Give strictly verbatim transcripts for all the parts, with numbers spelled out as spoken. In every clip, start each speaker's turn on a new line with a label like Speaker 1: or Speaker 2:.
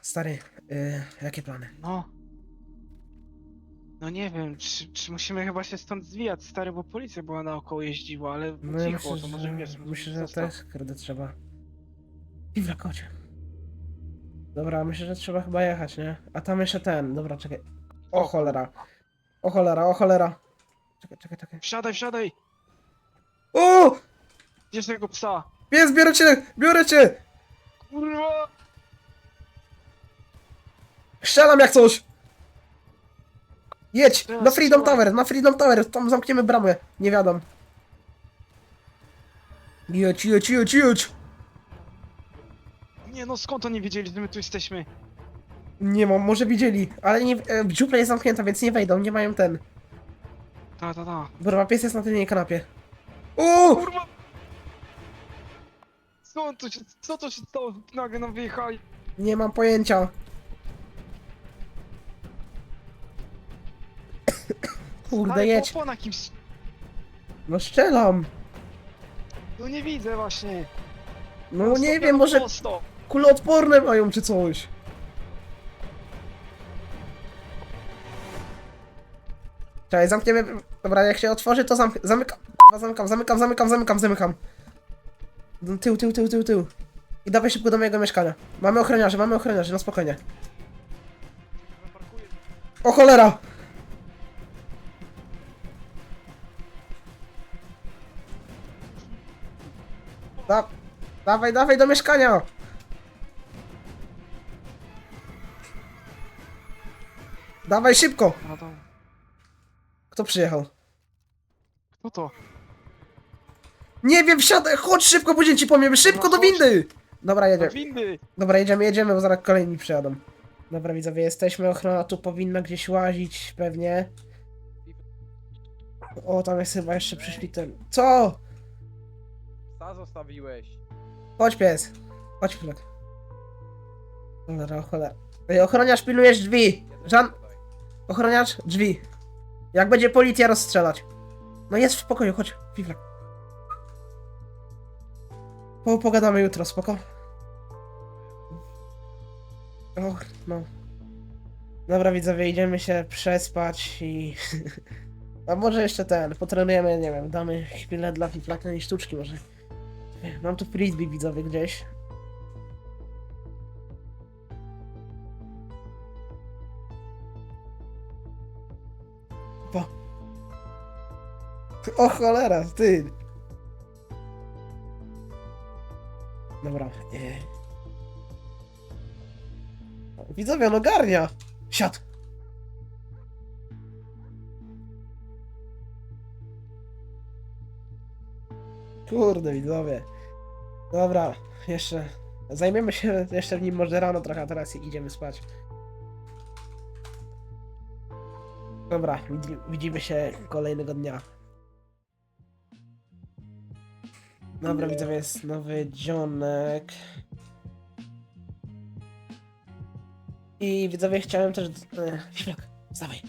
Speaker 1: Stary, yy, jakie plany?
Speaker 2: No. No nie wiem, czy, czy musimy chyba się stąd zwijać, stary, bo policja była naokoło jeździła, ale
Speaker 1: No ja
Speaker 2: cicho,
Speaker 1: myślę,
Speaker 2: to
Speaker 1: że,
Speaker 2: może wiesz, może
Speaker 1: myślę, że
Speaker 2: zostaw.
Speaker 1: też kurde trzeba. I w kocie. Dobra, myślę, że trzeba chyba jechać, nie? A tam jeszcze ten, dobra, czekaj. O
Speaker 2: O,
Speaker 1: cholera. O cholera, o cholera. Czekaj, czekaj, czekaj.
Speaker 2: Wsiadaj, wsiadaj!
Speaker 1: O!
Speaker 2: Gdzież tego psa?
Speaker 1: Pies, biorę cię! Biorę cię!
Speaker 2: Kurwa!
Speaker 1: Strzelam jak coś! Jedź!
Speaker 2: Teraz
Speaker 1: Na Freedom
Speaker 2: strzelaj.
Speaker 1: Tower, na Freedom Tower, tam zamkniemy bramę. Nie wiadomo. Jedź, jedź, jedź, jedź!
Speaker 2: Nie no, skąd oni wiedzieli, że my tu jesteśmy?
Speaker 1: Nie mam, może widzieli, ale nie, e, dziupla jest zamknięta, więc nie wejdą, nie mają ten.
Speaker 2: Ta, ta, ta.
Speaker 1: Dobra, pies jest na tylnej kanapie. O!
Speaker 2: Kurwa! Co to się, co to się stało? Nagle nam wyjechali.
Speaker 1: Nie mam pojęcia. Kurde,
Speaker 2: Ale
Speaker 1: jedź.
Speaker 2: po, po na kimś.
Speaker 1: No strzelam.
Speaker 2: No nie widzę właśnie.
Speaker 1: No nie wiem, może
Speaker 2: Prosto.
Speaker 1: kuloodporne mają czy coś. Czekaj, zamkniemy. Dobra, jak się otworzy, to zamk zamykam. Zamykam, zamykam, zamykam, zamykam, zamykam. Tył, tył, tył, tył, tył. I dawaj szybko do mojego mieszkania. Mamy ochroniarzy, mamy ochroniarzy, no spokojnie. O cholera! Da dawaj, dawaj do mieszkania! Dawaj szybko!
Speaker 2: A to,
Speaker 1: Kto przyjechał?
Speaker 2: kto to?
Speaker 1: Nie wiem, wsiadaj, chodź szybko, później ci powiem, szybko do
Speaker 2: Dobra, chodź.
Speaker 1: windy! Dobra,
Speaker 2: Do
Speaker 1: jedziemy.
Speaker 2: windy!
Speaker 1: Dobra, jedziemy, jedziemy, bo zaraz kolejni przyjadą. Dobra, widzowie, jesteśmy, ochrona tu powinna gdzieś łazić, pewnie. O, tam jest chyba jeszcze przyszli ten... Co?
Speaker 3: Psa zostawiłeś.
Speaker 1: Chodź pies. Chodź chwilek. Cholera, cholera. Ej, ochroniarz, pilnujesz drzwi. Żan... Ochroniarz, drzwi. Jak będzie policja, rozstrzelać. No jest w pokoju, chodź, Fiflak. Po, pogadamy jutro, spoko? Och, no. Dobra widzowie, idziemy się przespać i... A może jeszcze ten, potrenujemy, nie wiem, damy chwilę dla Fiflaka i sztuczki może. Mam tu frisbee widzowie gdzieś. Po. O cholera, ty! Dobra. Nie. Widzowie, on ogarnia! Siad! Kurde, widzowie. Dobra, jeszcze... Zajmiemy się jeszcze w nim może rano trochę, a teraz idziemy spać. Dobra, widzi, widzimy się kolejnego dnia. Dobra, widzowie, jest nowy dzionek. I widzowie, chciałem też... E, Fiflak, wstawaj.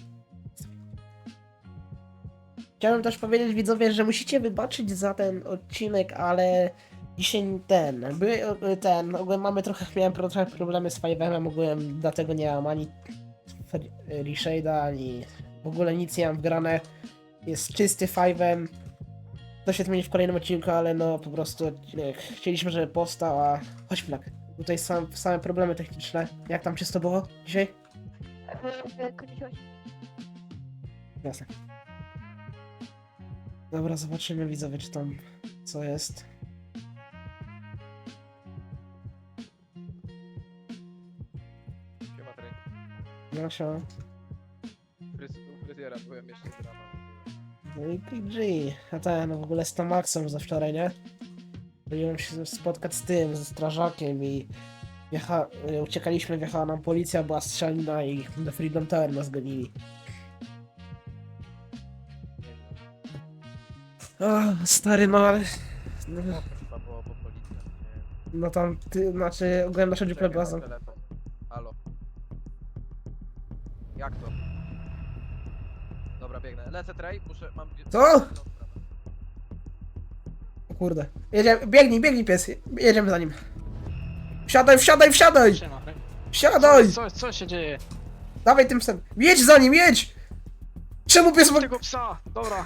Speaker 1: Chciałem też powiedzieć widzowie, że musicie wybaczyć za ten odcinek, ale dzisiaj ten, by, ten, ogółem mamy trochę, miałem trochę problemy z Five'em, ogółem dlatego nie mam ani Reshade'a, ani w ogóle nic nie mam wgrane. Jest czysty Five'em. To się zmieni w kolejnym odcinku, ale no po prostu odcinek chcieliśmy, żeby powstał, a chodź Flak. Tutaj są same problemy techniczne. Jak tam czysto było dzisiaj? Jasne. Dobra, zobaczymy widzowie, czy tam co jest.
Speaker 3: Siema, Trey.
Speaker 1: No się.
Speaker 3: Fryz u fryzjera byłem jeszcze z rana.
Speaker 1: No i P G. A ten, no w ogóle z Tomaxem za wczoraj, nie? Byłem się spotkać z tym, ze strażakiem i wjecha... uciekaliśmy, wjechała nam policja, była strzelina i do Freedom Tower nas gonili. O, stary, no ale... No,
Speaker 3: No, chyba było po policji. Nie.
Speaker 1: no tam, ty, znaczy, ogólnie nasza dziupla
Speaker 3: Czekaj,
Speaker 1: była
Speaker 3: mam
Speaker 1: zam...
Speaker 3: telefon. Halo. Jak to? Dobra, biegnę. Lecę, Trey, muszę, mam...
Speaker 1: Co? O kurde. Jedziemy, biegnij, biegnij pies, jedziemy za nim. Wsiadaj, wsiadaj, wsiadaj!
Speaker 2: Siema,
Speaker 1: Siadaj!
Speaker 2: Co, co się dzieje?
Speaker 1: Dawaj tym psem. Jedź za nim, jedź! Czemu pies ma...
Speaker 2: Tego psa, dobra.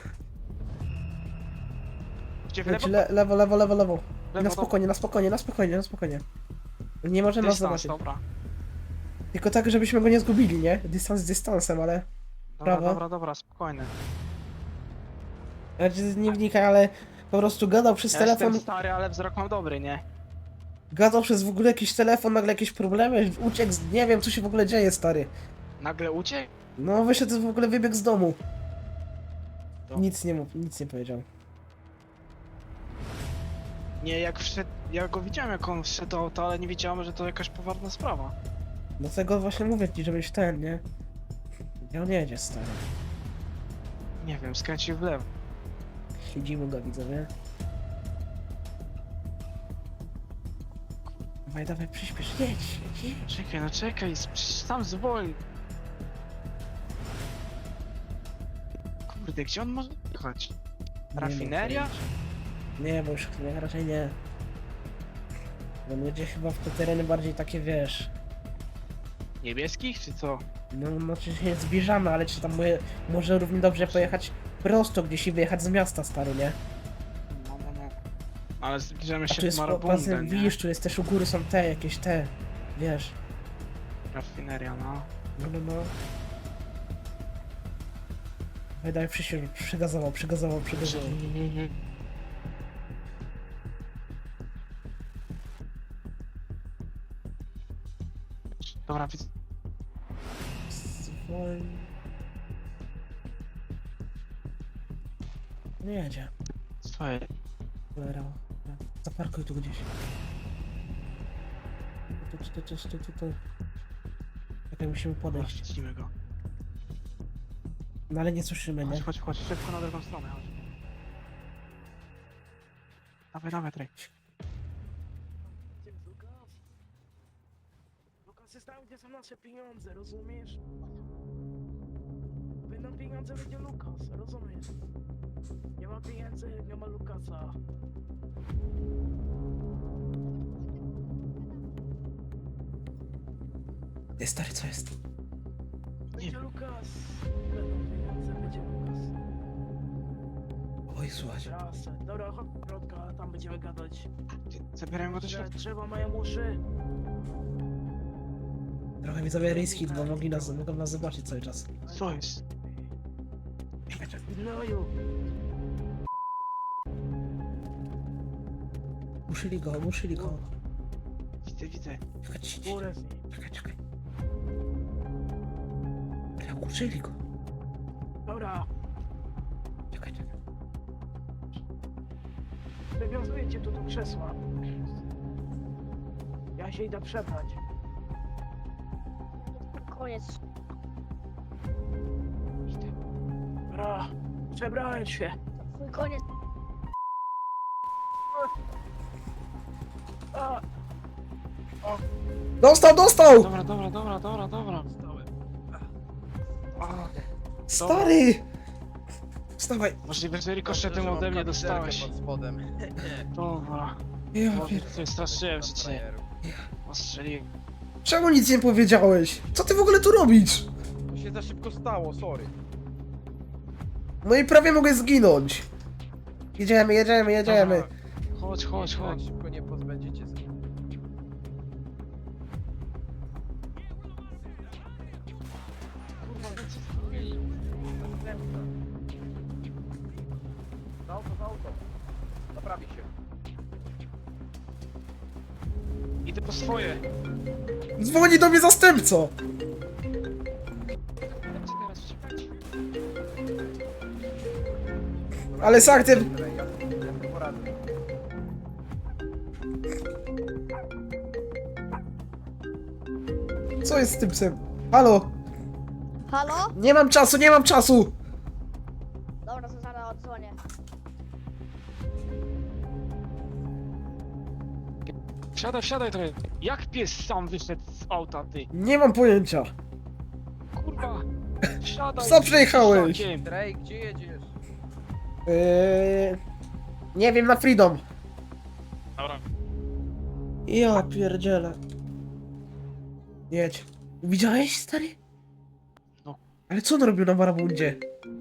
Speaker 2: Gdzie w
Speaker 1: Jedź,
Speaker 2: lewo?
Speaker 1: le, lewo, lewo, lewo, lewo. I
Speaker 2: Lewo,
Speaker 1: na spokojnie, na spokojnie, na spokojnie, na spokojnie. Nie może nas
Speaker 2: Dystans,
Speaker 1: zobaczyć.
Speaker 2: dobra.
Speaker 1: Tylko tak, żebyśmy go nie zgubili, nie? Dystans z dystansem, ale...
Speaker 2: Dobra,
Speaker 1: Prawo.
Speaker 2: dobra, dobra, spokojny.
Speaker 1: Znaczy, nie wnikaj, ale po prostu gadał przez
Speaker 2: Ja
Speaker 1: telefon,
Speaker 2: jestem stary, ale wzrok mam dobry, nie?
Speaker 1: gadał przez w ogóle jakiś telefon, nagle jakieś problemy, uciekł, z... nie wiem co się w ogóle dzieje, stary.
Speaker 2: Nagle uciekł?
Speaker 1: No wyszedł w ogóle, wybiegł z domu.
Speaker 2: To-
Speaker 1: Nic nie mów, nic nie powiedział.
Speaker 2: Nie, jak wszedł, ja go widziałem jak on wszedł do auta, ale nie wiedziałem, że to jakaś poważna sprawa.
Speaker 1: Dlatego właśnie mówię ci, żebyś ten, nie? Gdzie on jedzie, stary?
Speaker 2: Nie wiem, skręcił w lewo.
Speaker 1: Siedzimy go, widzowie. Dawaj, dawaj, przyspiesz, jedź, jedź, jedź.
Speaker 2: Czekaj, no czekaj, przecież sam zwolni. Kurde, gdzie on może jechać?
Speaker 1: Nie
Speaker 2: Rafineria?
Speaker 1: mam pojęcia. Nie, bo już nie, raczej nie. Bo on jedzie chyba w te tereny bardziej takie, wiesz...
Speaker 2: Niebieskich, czy co?
Speaker 1: No, no czy się zbliżamy, ale czy tam moje, może równie dobrze pojechać prosto gdzieś i wyjechać z miasta, stary, nie?
Speaker 2: No, no, no. Ale zbliżamy
Speaker 1: A
Speaker 2: się
Speaker 1: tu
Speaker 2: do
Speaker 1: jest,
Speaker 2: Marabundę,
Speaker 1: pasem,
Speaker 2: nie?
Speaker 1: widzisz, tu jest też u góry są te, jakieś te, wiesz.
Speaker 2: Rafineria, no.
Speaker 1: No, no, no. Wydaje się, przygazował, przygazował, przygazował.
Speaker 2: Dobra, widzę.
Speaker 1: Zwolni. Nie jedzie.
Speaker 2: Co jest?
Speaker 1: Cholera. Zaparkuj tu gdzieś. Tu, tu, tu, tu, tu, tu, tu. Czekaj, musimy podejść.
Speaker 2: Widzimy go.
Speaker 1: No ale nie słyszymy, nie?
Speaker 2: Chodź, chodź, chodź, szybko na drugą stronę, chodź. Dawaj, dawaj, Trej.
Speaker 1: Lukas jest tam, gdzie są nasze pieniądze, rozumiesz? Będą pieniądze, będzie Lukas, rozumiesz? Nie ma pieniędzy, nie ma Lukasa. Ty stary, co jest? Będzie Lukas. Będą pieniądze, będzie Lukas. Oj, słuchaj. Trasę. Dobra, chodź do środka, tam będziemy gadać.
Speaker 2: Zabierałem go do środka.
Speaker 1: Drzewa mają uszy. Trochę widzowie riski, bo mogli nas, mogą nas zobaczyć cały czas.
Speaker 2: Co jest?
Speaker 1: Gnoju! Muszyli go, muszyli go.
Speaker 2: Widzę, widzę.
Speaker 1: Czekaj, czekaj, czekaj, czekaj. Ale uczyli go. Dobra. Czekaj, czekaj. Wywiązuję cię tu do krzesła. Ja się idę przebrać.
Speaker 4: Koniec.
Speaker 1: Dobra, przebrałem się.
Speaker 4: Twój koniec.
Speaker 1: Dostał, dostał!
Speaker 2: Dobra, dobra, dobra, dobra, dobra. A,
Speaker 1: Stary! Wstawaj.
Speaker 2: możliwe, że rikoszetem ode mnie dostałeś.
Speaker 3: Pod spodem.
Speaker 2: Dobra.
Speaker 1: Ja
Speaker 2: Boże,
Speaker 1: pier...
Speaker 2: coś straszyłem się cię. Ostrzeliłem.
Speaker 1: Czemu nic nie powiedziałeś? Co ty w ogóle tu robisz?
Speaker 3: To się za szybko stało, sorry.
Speaker 1: No i prawie mogę zginąć. Jedziemy, jedziemy, jedziemy.
Speaker 2: Dobra. Chodź, chodź,
Speaker 3: Tak
Speaker 2: chodź.
Speaker 3: szybko nie pozbędziecie się. Na auto, na auto. Naprawi się.
Speaker 2: Idę po swoje.
Speaker 1: Dzwoni do mnie zastępca.
Speaker 2: Co teraz uciekać?
Speaker 1: Ale z aktem...
Speaker 3: Ja, ja sobie poradzę.
Speaker 1: Co jest z tym psem? Halo?
Speaker 4: Halo?
Speaker 1: Nie mam czasu, nie mam czasu!
Speaker 4: Dobra, to zaraz odzwonię.
Speaker 2: Wsiadaj, wsiadaj trochę. Jak pies sam wyszedł z auta, ty?
Speaker 1: Nie mam pojęcia.
Speaker 2: Kurwa. Wsiadaj.
Speaker 1: Co przejechałeś?
Speaker 2: Szlakiem.
Speaker 3: Drake, gdzie jedziesz?
Speaker 1: Eee... Nie wiem, na Freedom.
Speaker 2: Dobra.
Speaker 1: Ja pierdzielę. Jedź. Widziałeś, stary?
Speaker 2: No.
Speaker 1: Ale co on robił na marabundzie?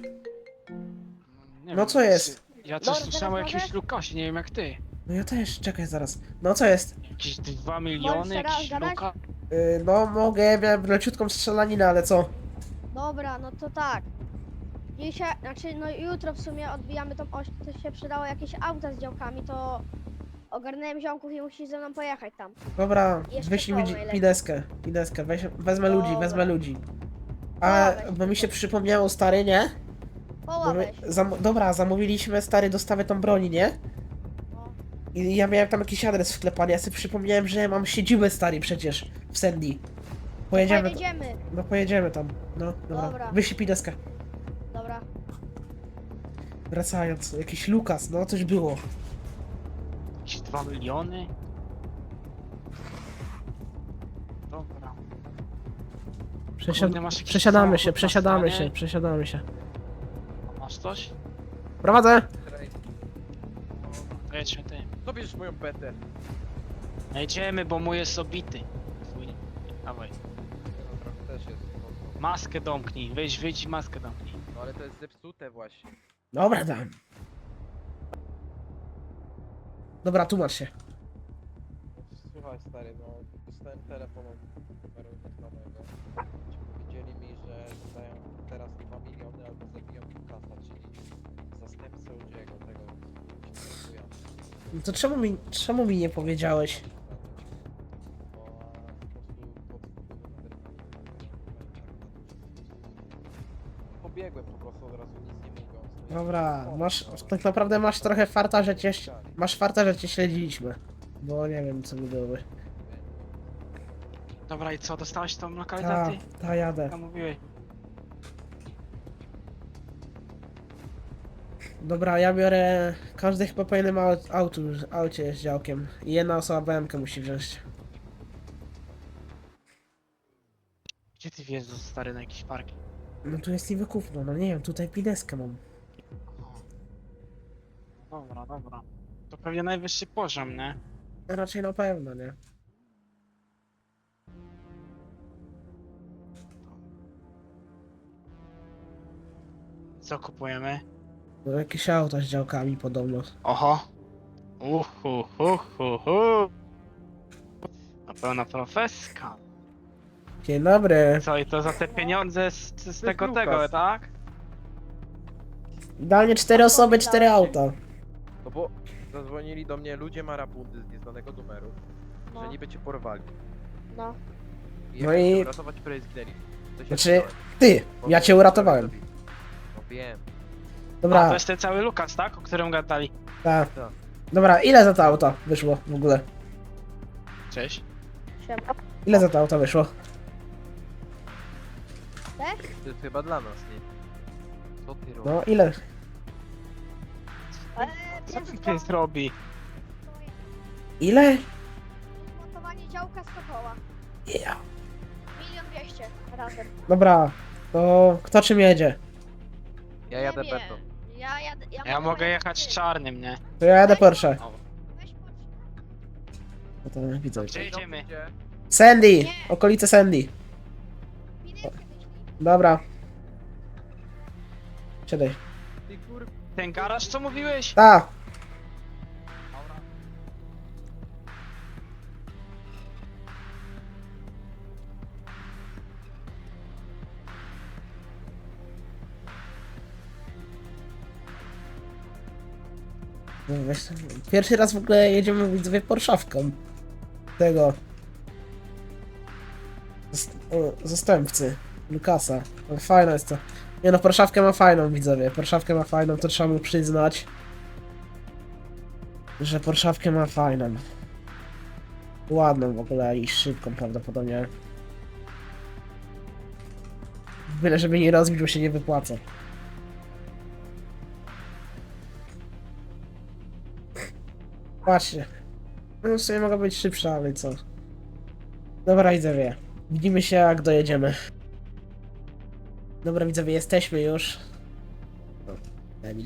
Speaker 2: Nie
Speaker 1: No co jest?
Speaker 2: Ja coś
Speaker 4: Dobra,
Speaker 2: słyszałem o
Speaker 4: teraz
Speaker 2: jakimś
Speaker 4: mogę?
Speaker 2: Lukasie, nie wiem jak ty.
Speaker 1: No ja też, czekaj zaraz. No co jest?
Speaker 2: Jakieś dwa miliony,
Speaker 4: teraz
Speaker 2: jakiś
Speaker 4: gadać?
Speaker 2: Luka.
Speaker 1: Yy, no mogę, miałem leciutką strzelaninę, ale co?
Speaker 4: Dobra, no to tak. Dzisiaj, znaczy no jutro w sumie odbijamy tą oś, to się przydało jakieś auta z działkami, to ogarnąłem ziomków i musisz ze mną pojechać tam.
Speaker 1: Dobra,
Speaker 4: Jeszcze
Speaker 1: wyślij mi
Speaker 4: to
Speaker 1: dzi-
Speaker 4: najlepiej.
Speaker 1: pideskę, pideskę, weź, wezmę
Speaker 4: Dobra.
Speaker 1: ludzi, wezmę ludzi. A,
Speaker 4: Dobra, weź
Speaker 1: bo mi się
Speaker 4: tylko.
Speaker 1: przypomniało, stary, nie? Bo
Speaker 4: Poła
Speaker 1: my,
Speaker 4: weź.
Speaker 1: zam, dobra, zamówiliśmy, stary, dostawę tą broni, nie?
Speaker 4: No.
Speaker 1: I ja miałem tam jakiś adres wklepany, ja sobie przypomniałem, że mam siedzibę, stary, przecież, w Sandy. Pojedziemy,
Speaker 4: Pojedziemy.
Speaker 1: no pojedziemy tam, no, dobra,
Speaker 4: Dobra.
Speaker 1: wyślij pideskę.
Speaker 4: Dobra.
Speaker 1: Wracając, jakiś Lukas, no coś było.
Speaker 2: Jakieś dwa miliony. Dobra.
Speaker 1: Przesiad...
Speaker 2: Kurde, masz jakiś
Speaker 1: Przesiadamy
Speaker 2: samochód
Speaker 1: się,
Speaker 2: na
Speaker 1: przesiadamy
Speaker 2: stanie?
Speaker 1: się, przesiadamy się.
Speaker 2: Masz coś?
Speaker 1: Prowadzę!
Speaker 3: Trej.
Speaker 2: To jedźmy ty.
Speaker 3: Co bierzesz moją betę?
Speaker 2: Jedziemy, bo mój jest obity. Twój. Dawaj.
Speaker 3: No trochę też jest mocno.
Speaker 2: Maskę domknij, weź, wyjdź i maskę domknij.
Speaker 3: No ale to jest zepsute właśnie.
Speaker 1: Dobra, dam. Dobra, tłumacz się.
Speaker 3: Słuchaj stary, no dostałem telefon od numeru nieznanego. Powiedzieli mi, że dostają teraz dwa miliony albo zabiją Lukasa, czyli zastępcę Udziego, tego się
Speaker 1: No to czemu mi, czemu mi nie powiedziałeś?
Speaker 3: Bo po prostu pod pobiegłem po prostu od razu nic nie mówiąc. No i-
Speaker 1: Dobra, masz, tak naprawdę masz trochę farta, że cię, masz farta, że cię śledziliśmy. Bo nie wiem, co by byłoby.
Speaker 2: Dobra, i co, dostałeś tą
Speaker 1: Ta,
Speaker 2: lokalizację?
Speaker 1: ta jadę.
Speaker 2: Jak mówiłeś.
Speaker 1: Dobra, ja biorę, każdy chyba po jednym au- autu, aucie z działkiem. I jedna osoba B M K musi wziąć.
Speaker 2: Gdzie ty wjeżdżasz, stary, na jakiś parking?
Speaker 1: No tu jest niby kupno, no nie wiem, tutaj pideskę mam.
Speaker 2: Dobra, dobra. To pewnie najwyższy poziom, nie?
Speaker 1: Raczej na pewno, nie?
Speaker 2: Co kupujemy?
Speaker 1: No jakieś auta z działkami podobno.
Speaker 2: Oho. Uhu, hu, hu, hu. Na pełna profeska.
Speaker 1: Dzień dobry.
Speaker 2: Co, i to za te pieniądze z, z tego,
Speaker 3: Lukas.
Speaker 2: tego, tak?
Speaker 1: Idealnie cztery osoby, cztery auta.
Speaker 3: No bo zadzwonili do mnie ludzie marabundy z nieznanego numeru, że
Speaker 4: No.
Speaker 3: niby cię porwali.
Speaker 4: No.
Speaker 3: I
Speaker 1: No
Speaker 3: no
Speaker 1: i-
Speaker 3: i... uratować, które zginęli. To się
Speaker 1: Znaczy,
Speaker 3: wziąłem,
Speaker 1: ty,
Speaker 3: bo
Speaker 1: ja
Speaker 3: mnie
Speaker 1: cię uratowałem.
Speaker 3: zabili. No wiem.
Speaker 2: A,
Speaker 1: Dobra,
Speaker 2: to jest ten cały Lukas, tak? O którym gadali.
Speaker 1: tak.
Speaker 3: Tak.
Speaker 1: Dobra, ile za to auto wyszło w ogóle?
Speaker 2: Cześć.
Speaker 4: Siema.
Speaker 1: Ile za to auto wyszło?
Speaker 3: To jest chyba dla nas, nie? Co ty robisz?
Speaker 1: No, ile?
Speaker 4: Eee,
Speaker 2: Co
Speaker 4: przez
Speaker 2: ten
Speaker 4: dwa-
Speaker 2: pies robi?
Speaker 1: Ile?
Speaker 4: Montowanie działka z koła.
Speaker 1: Ja.
Speaker 4: Milion dwieście razem.
Speaker 1: Dobra, to kto czym jedzie?
Speaker 3: Ja jadę
Speaker 4: Nie wiem.
Speaker 3: betą.
Speaker 4: Ja jadę. Ja,
Speaker 2: Ja mogę
Speaker 4: pojechać
Speaker 2: jechać
Speaker 4: ty.
Speaker 2: czarnym, nie?
Speaker 1: To ja jadę Porsche.
Speaker 2: O,
Speaker 4: Weź Porsche.
Speaker 1: No to widzę.
Speaker 2: Gdzie jedziemy?
Speaker 3: Gdzie?
Speaker 1: Sandy!
Speaker 4: Nie.
Speaker 1: Okolice Sandy.
Speaker 4: Pideskę wyślij.
Speaker 1: Dobra. Siadaj.
Speaker 3: Ty kur...
Speaker 2: Ten garaż, co mówiłeś?
Speaker 1: Ta! No weź tam- Pierwszy raz w ogóle jedziemy widzowie Porszawką. Tego. Zast- o, Zastępcy. Lukasa. No, fajne jest to. Nie no, Porszawkę ma fajną widzowie. Porszawkę ma fajną, to trzeba mu przyznać. Że Porszawkę ma fajną. Ładną w ogóle i szybką prawdopodobnie. Byle żeby nie rozbić, bo się nie wypłaca. Patrzcie. No w sumie mogła być szybsza, ale co. Dobra widzowie. Widzimy się jak dojedziemy. Dobra widzowie, jesteśmy już. O, Emil.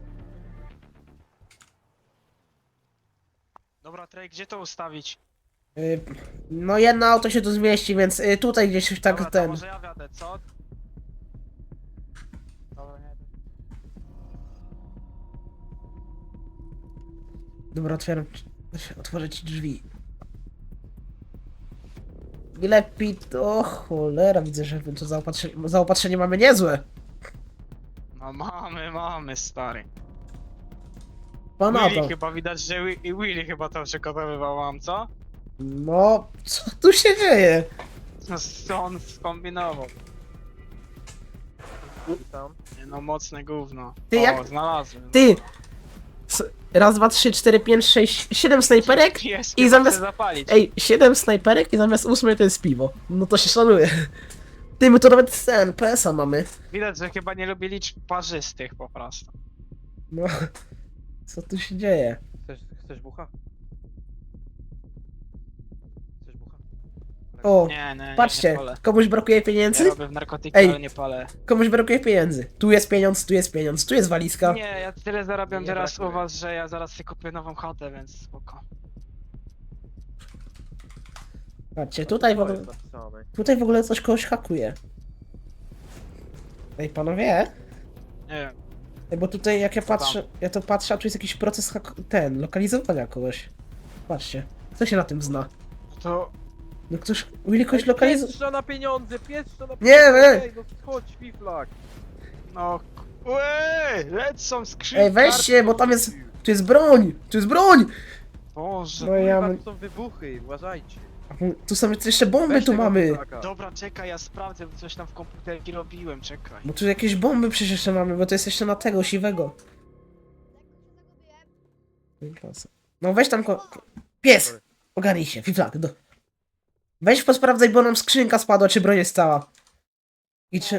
Speaker 2: Dobra, Trey, gdzie to ustawić?
Speaker 1: Y, No jedno auto się tu zmieści, więc y, tutaj gdzieś tak
Speaker 2: Dobra, to
Speaker 1: ten...
Speaker 2: może ja wiadę, co? Dobra, nie.
Speaker 1: Dobra, otwieram... Otworzę ci drzwi. I lepiej to... O cholera, widzę, że to zaopatrzenie, zaopatrzenie mamy niezłe.
Speaker 2: No mamy, mamy, stary.
Speaker 1: Pan
Speaker 2: Willy
Speaker 1: auto.
Speaker 2: chyba widać, że Wi- i Willy chyba to przygotowywał mam, co?
Speaker 1: No, co tu się dzieje?
Speaker 2: No, co on skombinował?
Speaker 3: Tam.
Speaker 2: Nie, no mocne gówno.
Speaker 1: Ty,
Speaker 2: o,
Speaker 1: jak-
Speaker 2: znalazłem.
Speaker 1: Ty! S- Raz, dwa, trzy, cztery, pięć, sześć, siedem snajperek
Speaker 2: Pies,
Speaker 1: i
Speaker 2: i
Speaker 1: zamiast-
Speaker 2: zamiast... zapalić.
Speaker 1: Ej, siedem snajperek i zamiast ósmej to jest piwo. No to się szanuje. Ty, my to nawet ten, P S a mamy.
Speaker 2: Widać, że chyba nie lubi liczb parzystych po prostu.
Speaker 1: No, co tu się dzieje?
Speaker 3: Chcesz, chcesz bucha? Chcesz bucha?
Speaker 1: O,
Speaker 2: Nie, nie, nie,
Speaker 1: patrzcie,
Speaker 2: nie palę.
Speaker 1: komuś brakuje
Speaker 2: Ja
Speaker 1: pieniędzy?
Speaker 2: robię w narkotyki,
Speaker 1: Ej.
Speaker 2: ale nie palę.
Speaker 1: Komuś brakuje pieniędzy. Tu jest pieniądz, tu jest pieniądz, tu jest walizka.
Speaker 2: Nie, ja tyle zarabiam
Speaker 3: Nie
Speaker 2: teraz u
Speaker 3: brakuje.
Speaker 2: was, że ja zaraz sobie kupię nową chatę, więc spoko.
Speaker 1: Patrzcie, tutaj w
Speaker 3: To
Speaker 1: ogóle,
Speaker 3: jest napisane.
Speaker 1: tutaj w ogóle coś kogoś hakuje. Ej, panowie,
Speaker 2: Nie wiem.
Speaker 1: ej, bo tutaj jak ja
Speaker 2: Co tam?
Speaker 1: patrzę, ja to patrzę, a tu jest jakiś proces hak ten, lokalizowania kogoś. Patrzcie, kto się na tym zna?
Speaker 2: To...
Speaker 1: No ktoś, Willy kogoś
Speaker 3: Ej,
Speaker 1: lokalizuje.
Speaker 3: Pieszczo na pieniądze, pieszczo na
Speaker 1: Nie,
Speaker 3: pieniądze!
Speaker 1: ej.
Speaker 3: Ej, no chodź, fiflak!
Speaker 2: No... Łeee! Lecą skrzynki!
Speaker 1: Ej, weźcie, bo tam jest, tu jest broń, tu jest broń!
Speaker 2: Boże.
Speaker 1: No ja,
Speaker 3: Kurwa, tu są wybuchy, uważajcie.
Speaker 1: tu są jeszcze bomby,
Speaker 3: Weź
Speaker 1: tu
Speaker 3: tego
Speaker 1: mamy.
Speaker 3: fiflaka.
Speaker 2: Dobra, czekaj, ja sprawdzę, bo coś tam w komputerki robiłem, czekaj.
Speaker 1: Bo tu jakieś bomby przecież jeszcze mamy, bo to jest jeszcze na tego, siwego. No weź tam ko... ko- Pies! Ogarnij się, fiflak, do... Weź posprawdzaj, bo nam skrzynka spadła, czy broń jest cała. I czy...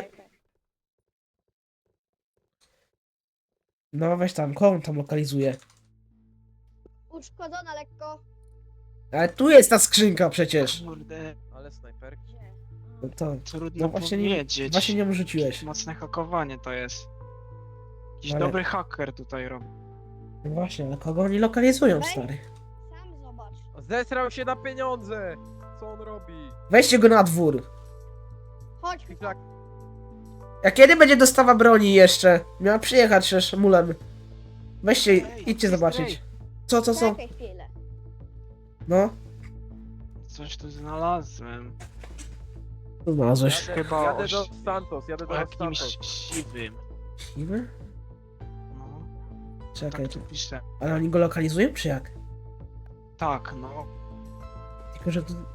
Speaker 1: No weź tam, koło on tam lokalizuje.
Speaker 4: Uszkodzona lekko.
Speaker 1: Ale tu jest ta skrzynka przecież.
Speaker 2: Kurde,
Speaker 3: Ale snajperki.
Speaker 1: No to...
Speaker 2: trudno
Speaker 1: No właśnie nie,
Speaker 2: powiedzieć.
Speaker 1: właśnie nie rzuciłeś.
Speaker 2: Mocne hakowanie to jest. Jakiś
Speaker 1: Ale-
Speaker 2: dobry haker tutaj robi.
Speaker 1: No właśnie, ale kogo oni lokalizują,
Speaker 4: Weź.
Speaker 1: stary?
Speaker 4: Sam zobacz.
Speaker 3: Zesrał się na pieniądze! Co on robi?
Speaker 1: Weźcie go na dwór.
Speaker 4: Chodź,
Speaker 3: Fiflak,
Speaker 1: A kiedy będzie dostawa broni jeszcze? Miała przyjechać też mulem. Weźcie,
Speaker 2: Ej,
Speaker 1: idźcie
Speaker 2: ej,
Speaker 1: zobaczyć.
Speaker 2: ej.
Speaker 1: Co, co, co?
Speaker 4: czekaj chwilę.
Speaker 1: No.
Speaker 2: Coś tu znalazłem.
Speaker 1: Znalazłeś.
Speaker 3: jadę,
Speaker 2: Chyba
Speaker 3: jadę
Speaker 2: oś-
Speaker 3: do Santos, jadę
Speaker 2: O
Speaker 3: do
Speaker 2: jakimś
Speaker 3: Santos.
Speaker 2: siwym.
Speaker 1: Siwy?
Speaker 2: No,
Speaker 1: Czekaj,
Speaker 2: tak tu
Speaker 1: tu.
Speaker 2: pisze.
Speaker 1: Ale oni go lokalizują, czy jak?
Speaker 2: Tak, no.
Speaker 1: Tylko, że tu...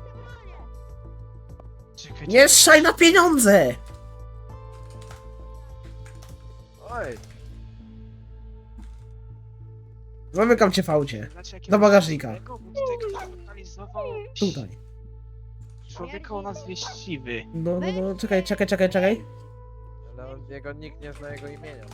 Speaker 2: Czekaj,
Speaker 1: Nie szaj na pieniądze!
Speaker 3: Oj,
Speaker 1: Zamykam cię w aucie.
Speaker 2: Znaczy,
Speaker 1: Do bagażnika.
Speaker 2: Tego, bo tutaj ktoś lokalizował
Speaker 1: Tutaj.
Speaker 2: człowieka o nazwie Siwy.
Speaker 1: No, no, no, czekaj, czekaj, czekaj, czekaj.
Speaker 3: ale on, jego nikt nie zna jego imienia.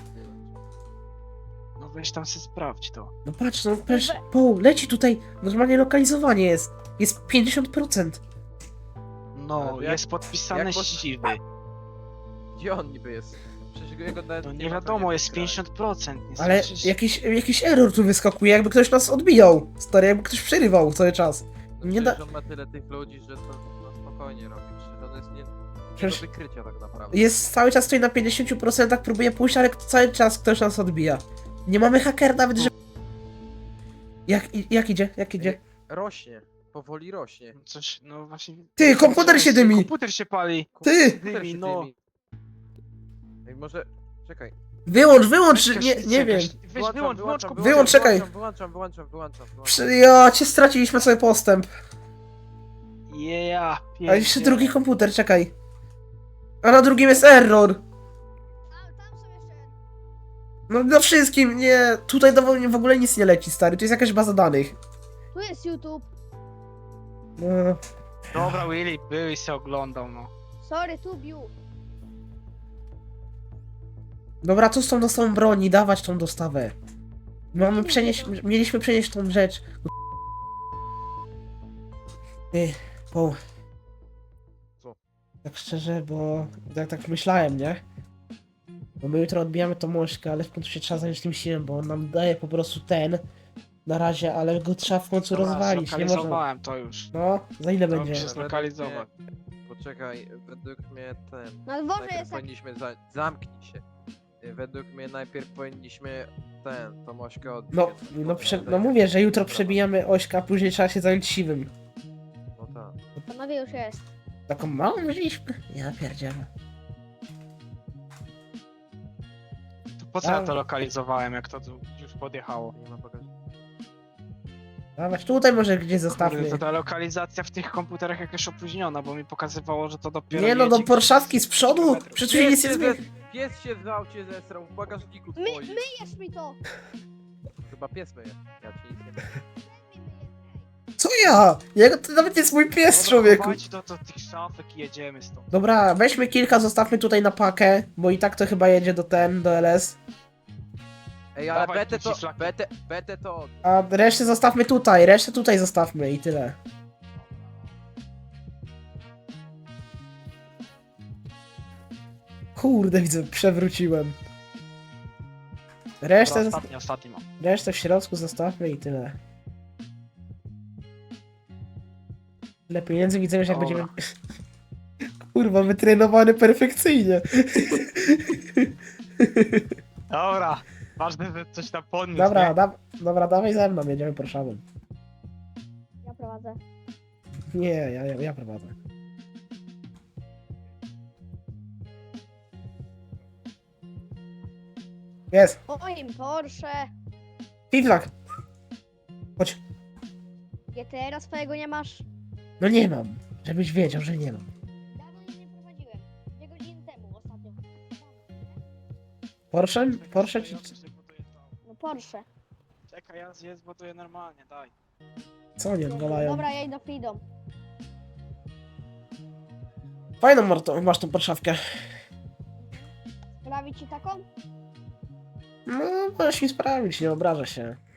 Speaker 2: No weź tam se sprawdź to.
Speaker 1: No patrz, no patrz, po, leci tutaj, normalnie lokalizowanie jest. Jest pięćdziesiąt procent.
Speaker 2: No,
Speaker 3: Ale jak-
Speaker 2: jest podpisane
Speaker 3: jak po-
Speaker 2: Siwy.
Speaker 3: Gdzie on niby jest? Przecież jego nawet
Speaker 2: No
Speaker 3: nie
Speaker 2: nie
Speaker 3: ma
Speaker 2: wiadomo,
Speaker 3: pewnie
Speaker 2: jest
Speaker 3: w tym kraju.
Speaker 2: pięćdziesiąt procent. Nie
Speaker 1: Ale
Speaker 2: słyszysz?
Speaker 1: jakiś, jakiś error tu wyskakuje, jakby ktoś nas odbijał. Stary, jakby ktoś przerywał cały czas.
Speaker 3: No
Speaker 1: Nie da-
Speaker 3: przecież on ma tyle tych ludzi, że to no, spokojnie robi. Przecież on jest nie, nie
Speaker 1: Przecież-
Speaker 3: do wykrycia tak naprawdę.
Speaker 1: Jest cały czas stoi na pięćdziesiąt procent, próbuje pójść, ale cały czas ktoś nas odbija. Nie mamy hakera nawet, że... Jak, i- jak idzie? Jak idzie?
Speaker 3: Rośnie, powoli rośnie.
Speaker 2: Coś, no właśnie...
Speaker 1: Ty, komputer się dymi!
Speaker 2: Komputer się pali!
Speaker 1: Ty!
Speaker 3: Komputer
Speaker 2: Dymi,
Speaker 3: się
Speaker 2: no.
Speaker 3: dymi. Ej, może... Czekaj.
Speaker 1: Wyłącz, wyłącz,
Speaker 2: Weź
Speaker 1: nie,
Speaker 2: gaśnicę,
Speaker 1: nie wiem.
Speaker 2: gaś- Weź wyłącz, wyłącz komputer.
Speaker 1: Wyłącz, czekaj.
Speaker 3: Wyłączam, wyłączam, wyłączam, wyłączam.
Speaker 1: Przy, ja cię straciliśmy sobie postęp.
Speaker 2: Yeah,
Speaker 1: A jeszcze
Speaker 2: pierdzielę.
Speaker 1: drugi komputer, czekaj. A na drugim jest error.
Speaker 4: Tam, tam są jeszcze.
Speaker 1: No na wszystkim, nie. Tutaj do, w ogóle nic nie leci, stary. Tu jest jakaś baza danych.
Speaker 4: Tu jest YouTube.
Speaker 1: No.
Speaker 2: Dobra, Willy, był i se oglądał, no.
Speaker 4: Sorry, Tubiu.
Speaker 1: Dobra, co z tą dostawą broni? Dawać tą dostawę. Mamy przenieść, mieliśmy przenieść tą rzecz. Ty, po.
Speaker 3: Co?
Speaker 1: Tak szczerze, bo tak, tak myślałem, nie? Bo my jutro odbijamy tą mążkę, ale w końcu się trzeba zająć tym siłem, bo on nam daje po prostu ten. na razie, ale go trzeba w końcu
Speaker 2: Dobra,
Speaker 1: rozwalić, nie można.
Speaker 2: zlokalizowałem to już.
Speaker 1: No, za ile
Speaker 2: To
Speaker 1: będzie?
Speaker 2: się zlokalizować.
Speaker 3: Poczekaj, według mnie ten...
Speaker 4: Na dworze
Speaker 3: Najpierw
Speaker 4: jest tak.
Speaker 3: powinniśmy... Za... Zamknij się. Y, Według mnie najpierw powinniśmy ten, tą ośkę odbić.
Speaker 1: No,
Speaker 3: jednak,
Speaker 1: no,
Speaker 3: bo
Speaker 1: prze,
Speaker 3: tutaj-
Speaker 1: no mówię, że jutro
Speaker 3: Dobra,
Speaker 1: przebijamy ośka, a później trzeba się zająć siwym.
Speaker 3: No tak.
Speaker 4: Panowie już jest.
Speaker 1: Taką małą wzięliśmy? Ja pierdzielę.
Speaker 2: To po co ja
Speaker 1: A.
Speaker 2: to lokalizowałem, jak to tu już podjechało?
Speaker 3: Nie ma bagażnika.
Speaker 1: Dawać, tutaj może gdzieś zostawmy.
Speaker 2: Kurde, to ta lokalizacja w tych komputerach jakaś opóźniona, bo mi pokazywało, że to dopiero
Speaker 1: Nie no, do
Speaker 2: jedzie
Speaker 1: Porszawki z przodu!
Speaker 2: kilometrów.
Speaker 1: Przecież nic nie
Speaker 3: Pies się,
Speaker 1: zmieni.
Speaker 3: zes... pies się w aucie zesrał w bagażniku
Speaker 4: My,
Speaker 3: twoim.
Speaker 4: myjesz mi to!
Speaker 3: Chyba pies myje. Ja ci nic nie mówię.
Speaker 1: Co ja? Jego to nawet jest mój pies,
Speaker 2: Dobra,
Speaker 1: człowieku.
Speaker 2: chowajcie do, do tych szafek i jedziemy stąd.
Speaker 1: Dobra, weźmy kilka, zostawmy tutaj na pakę, bo i tak to chyba jedzie do ten, do L S.
Speaker 3: Ej, ale
Speaker 2: Dawaj
Speaker 3: betę
Speaker 2: tu
Speaker 3: to...
Speaker 2: szlaki.
Speaker 3: Betę, betę to...
Speaker 1: A resztę zostawmy tutaj, resztę tutaj zostawmy i tyle. Kurde, widzę, przewróciłem. Resztę,
Speaker 2: Dobra,
Speaker 1: zosta-
Speaker 2: ostatni, ostatni mam.
Speaker 1: resztę w środku zostawmy i tyle. Ile pieniędzy widzę, że jak
Speaker 2: Dobra.
Speaker 1: będziemy... Kurwa, wytrenowany perfekcyjnie.
Speaker 2: Dobra, ważne, że coś tam podniósł,
Speaker 1: Dobra,
Speaker 2: nie?
Speaker 1: da, dobra, dawaj ze mną, jedziemy Porszawą.
Speaker 4: Ja prowadzę.
Speaker 1: Nie, ja, ja, ja prowadzę. Jest,
Speaker 4: Moim Porsche.
Speaker 1: Fiflak. Chodź.
Speaker 4: G T R swojego nie masz?
Speaker 1: No nie mam, żebyś wiedział, że nie mam.
Speaker 4: Dawno nie prowadziłem. Dwie godziny temu ostatnio.
Speaker 1: Porsche? Porsche czy...
Speaker 2: Ja coś zbuduję tam.
Speaker 4: No Porsche.
Speaker 2: Czekaj, ja je zbuduję normalnie, daj.
Speaker 1: Co nie odwalają?
Speaker 4: Dobra, ja idę Freedom.
Speaker 1: Fajną Marto, masz tą Porszawkę.
Speaker 4: Sprawi ci taką?
Speaker 1: No, możesz mi sprawić, nie obrażę się.